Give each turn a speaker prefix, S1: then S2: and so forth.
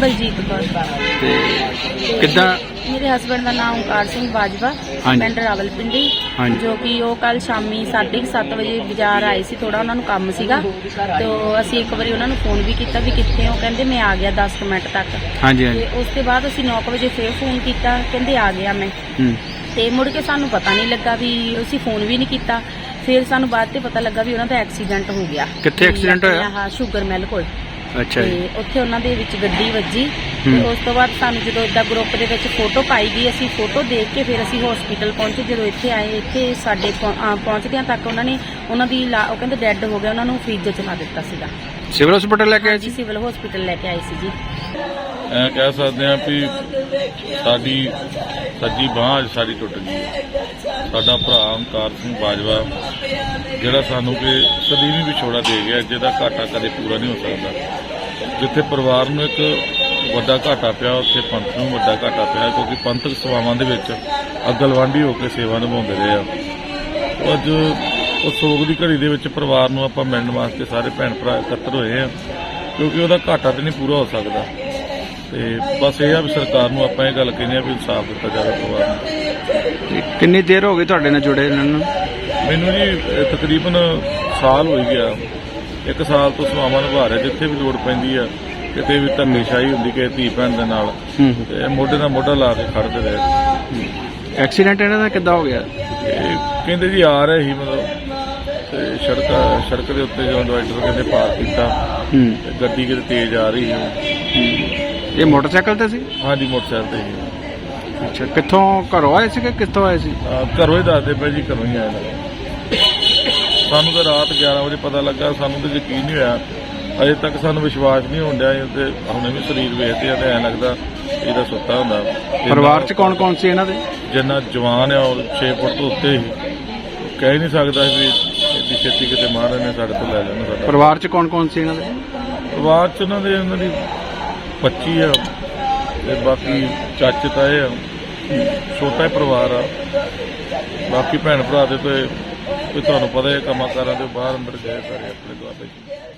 S1: ਬਲਜੀਤ ਕੌਰ।
S2: ਕਿੱਦਾਂ?
S1: ਮੇਰੇ ਹਸਬੈਂਡ ਦਾ ਨਾਮ ਓਂਕਾਰ ਸਿੰਘ ਬਾਜਵਾ, ਪਿੰਡ ਰਾਵਲਪਿੰਡੀ, ਜੋ ਕਿ ਉਹ ਕੱਲ ਸ਼ਾਮੀ 7:30 ਵਜੇ ਬਾਜ਼ਾਰ ਆਏ ਸੀ। ਥੋੜਾ ਉਹਨਾਂ ਨੂੰ ਕੰਮ ਸੀਗਾ, ਤੇ ਅਸੀਂ ਇੱਕ ਵਾਰੀ ਉਹਨਾਂ ਨੂੰ ਫੋਨ ਵੀ ਕੀਤਾ ਵੀ ਕਿੱਥੇ ਹੋ, ਕਹਿੰਦੇ ਮੈਂ ਆ ਗਿਆ 10 ਮਿੰਟ ਤੱਕ। ਤੇ ਉਸ ਤੋਂ ਬਾਅਦ ਅਸੀਂ 9 ਵਜੇ ਫੇਰ ਫੋਨ ਕੀਤਾ, ਕਹਿੰਦੇ ਆ ਗਿਆ ਮੈਂ। ਤੇ ਮੁੜ ਕੇ ਸਾਨੂੰ ਪਤਾ ਨਹੀਂ ਲੱਗਾ ਵੀ ਅਸੀਂ ਫੋਨ ਵੀ ਨਹੀਂ ਕੀਤਾ। ਫਿਰ ਸਾਨੂੰ ਬਾਅਦ ਤੇ ਪਤਾ ਲੱਗਾ ਵੀ ਉਹਨਾਂ ਦਾ ਐਕਸੀਡੈਂਟ ਹੋ ਗਿਆ।
S2: ਕਿੱਥੇ ਐਕਸੀਡੈਂਟ ਹੋਇਆ?
S1: ਹਾਂ, ਸ਼ੂਗਰ ਮਿਲ ਕੋਲ।
S2: ਅੱਛਾ ਜੀ।
S1: ਤੇ ਉੱਥੇ ਉਹਨਾਂ ਦੇ ਵਿੱਚ ਗੱਡੀ ਵੱਜੀ। ਤੇ ਉਸ ਤੋਂ ਬਾਅਦ ਸਾਨੂੰ ਜਦੋਂ ਇਦਾਂ ਗਰੁੱਪ ਦੇ ਵਿੱਚ ਫੋਟੋ ਪਾਈ ਗਈ, ਅਸੀਂ ਫੋਟੋ ਦੇਖ ਕੇ ਫਿਰ ਅਸੀਂ ਹਸਪੀਟਲ ਪਹੁੰਚੇ। ਜਦੋਂ ਇੱਥੇ ਆਏ, ਇੱਥੇ ਸਾਡੇ ਪਹੁੰਚਦਿਆਂ ਤੱਕ ਉਹਨਾਂ ਦੀ ਉਹ ਕਹਿੰਦੇ ਡੈੱਡ ਹੋ ਗਿਆ, ਉਹਨਾਂ ਨੂੰ ਫ੍ਰਿਜ 'ਚ ਲਾ ਦਿੱਤਾ ਸੀਗਾ।
S2: ਸਿਵਲ ਹਸਪੀਟਲ ਲੈ ਕੇ ਆਏ
S1: ਜੀ? ਸਿਵਲ ਹਸਪੀਟਲ ਲੈ ਕੇ ਆਏ ਸੀ ਜੀ।
S3: ਐਂ ਕਹਿ ਸਕਦੇ ਹਾਂ ਵੀ ਸਾਡੀ ਸੱਜੀ ਬਾਂਹ ਅੱਜ ਸਾਡੀ ਟੁੱਟ ਗਈ। ਸਾਡਾ ਭਰਾ ਓਂਕਾਰ ਸਿੰਘ ਬਾਜਵਾ ਜਿਹੜਾ ਸਾਨੂੰ ਕਿ ਸਦੀਵੀ ਵਿਛੋੜਾ ਦੇ ਗਿਆ, ਜਿਹਦਾ ਘਾਟਾ ਕਦੇ ਪੂਰਾ ਨਹੀਂ ਹੋ ਸਕਦਾ। ਜਿੱਥੇ ਪਰਿਵਾਰ ਨੂੰ ਇੱਕ ਵੱਡਾ ਘਾਟਾ ਪਿਆ, ਉੱਥੇ ਪੰਥ ਨੂੰ ਵੱਡਾ ਘਾਟਾ ਪਿਆ, ਕਿਉਂਕਿ ਪੰਥਕ ਸੇਵਾਵਾਂ ਦੇ ਵਿੱਚ ਅਗਲਵਾਂਢੀ ਹੋ ਕੇ ਸੇਵਾ ਨਿਭਾਉਂਦੇ ਰਹੇ ਆ। ਅੱਜ ਉਸ ਸੋਗ ਦੀ ਘੜੀ ਦੇ ਵਿੱਚ ਪਰਿਵਾਰ ਨੂੰ ਆਪਾਂ ਮਿਲਣ ਵਾਸਤੇ ਸਾਰੇ ਭੈਣ ਭਰਾ ਇਕੱਤਰ ਹੋਏ ਆ, ਕਿਉਂਕਿ ਉਹਦਾ ਘਾਟਾ ਤੇ ਨਹੀਂ ਪੂਰਾ ਹੋ ਸਕਦਾ। ਤੇ ਬਸ ਇਹ ਆ ਵੀ ਸਰਕਾਰ ਨੂੰ ਆਪਾਂ ਇਹ ਗੱਲ ਕਹਿੰਦੇ ਆ ਵੀ ਇਨਸਾਫ ਦਿੱਤਾ ਜਾਵੇ ਪਰਿਵਾਰ ਨੂੰ।
S2: ਕਿੰਨੀ ਦੇਰ ਹੋ ਗਈ ਤੁਹਾਡੇ ਨਾਲ ਜੁੜੇ ਇਹਨਾਂ ਨੂੰ?
S3: ਮੈਨੂੰ ਜੀ ਤਕਰੀਬਨ ਸਾਲ ਹੋ ਗਿਆ। 1 ਸਾਲ ਤੋਂ ਸੇਵਾਵਾਂ ਨਿਭਾ ਰਿਹਾ। ਜਿੱਥੇ ਵੀ ਲੋੜ ਪੈਂਦੀ ਆ, ਕਿਤੇ ਵੀ ਧੰਨੇਸ਼ਾਹੀ ਹੁੰਦੀ ਕਿ ਧੀ ਭੈਣ ਦੇ ਨਾਲ, ਤੇ ਮੋਢੇ ਨਾਲ ਮੋਢਾ ਲਾ ਕੇ ਖੜਦੇ ਰਹੇ।
S2: ਐਕਸੀਡੈਂਟ ਇਹਨਾਂ ਦਾ ਕਿੱਦਾਂ ਹੋ ਗਿਆ?
S3: ਇਹ ਕਹਿੰਦੇ ਜੀ ਆ ਰਹੇ ਸੀ ਮਤਲਬ ਤੇ ਸੜਕ ਦੇ ਉੱਤੇ ਜਦੋਂ ਡਿਵਾਈਡਰ ਕਹਿੰਦੇ ਪਾਰ ਕੀਤਾ, ਗੱਡੀ ਕਿਤੇ ਤੇਜ਼ ਆ ਰਹੀ ਸੀ।
S2: ਇਹ ਮੋਟਰਸਾਈਕਲ ਤੇ ਸੀ?
S3: ਹਾਂਜੀ, ਮੋਟਰਸਾਈਕਲ ਤੇ ਸੀ।
S2: ਅੱਛਾ, ਕਿੱਥੋਂ ਘਰੋਂ ਆਏ ਸੀ ਕਿ ਕਿੱਥੋਂ ਆਏ ਸੀ?
S3: ਘਰੋਂ ਹੀ ਦੱਸਦੇ ਪਏ ਜੀ, ਘਰੋਂ ਹੀ ਆਏ। ਸਾਨੂੰ ਤਾਂ ਰਾਤ 11 ਵਜੇ ਪਤਾ ਲੱਗਾ। ਸਾਨੂੰ ਤਾਂ ਯਕੀਨ ਨਹੀਂ ਹੋਇਆ, ਅਜੇ ਤੱਕ ਸਾਨੂੰ ਵਿਸ਼ਵਾਸ ਨਹੀਂ ਹੋਣ ਡਿਆ। ਤੇ ਹੁਣੇ ਵੀ ਸਰੀਰ ਵੇਖਦੇ ਆ ਤੇ ਐਂ ਲੱਗਦਾ ਇਹਦਾ ਸੁੱਤਾ ਹੁੰਦਾ।
S2: ਪਰਿਵਾਰ 'ਚ ਕੌਣ ਕੌਣ ਸੀ ਇਹਨਾਂ ਦੇ?
S3: ਜਿੰਨਾ ਜਵਾਨ ਆ ਉਹ 6 ਫੁੱਟ ਤੋਂ ਉੱਤੇ ਹੀ, ਕਹਿ ਨਹੀਂ ਸਕਦਾ ਵੀ ਇੱਡੀ ਛੇਤੀ ਕਿਤੇ ਮਹਾਰਾਜ ਨੇ ਸਾਡੇ ਤੋਂ ਲੈ ਲੈਣਾ ਸਾਡਾ।
S2: ਪਰਿਵਾਰ 'ਚ ਕੌਣ ਕੌਣ ਸੀ ਇਹਨਾਂ ਦੇ?
S3: ਪਰਿਵਾਰ 'ਚ ਉਹਨਾਂ ਦੀ 25 ਆ, ਤੇ ਬਾਕੀ ਚਾਚੇ ਤਾਏ ਆ। ਛੋਟਾ ਹੀ ਪਰਿਵਾਰ ਆ। ਬਾਕੀ ਭੈਣ ਭਰਾ ਦੇ ਤੇ ਤੁਹਾਨੂੰ ਪਤਾ ਹੈ ਕੰਮਾਂ ਕਾਰਾਂ ਦੇ ਬਾਹਰ ਅੰਦਰ ਗਏ ਸਾਰੇ ਆਪਣੇ ਦੁਆਬੇ 'ਚ।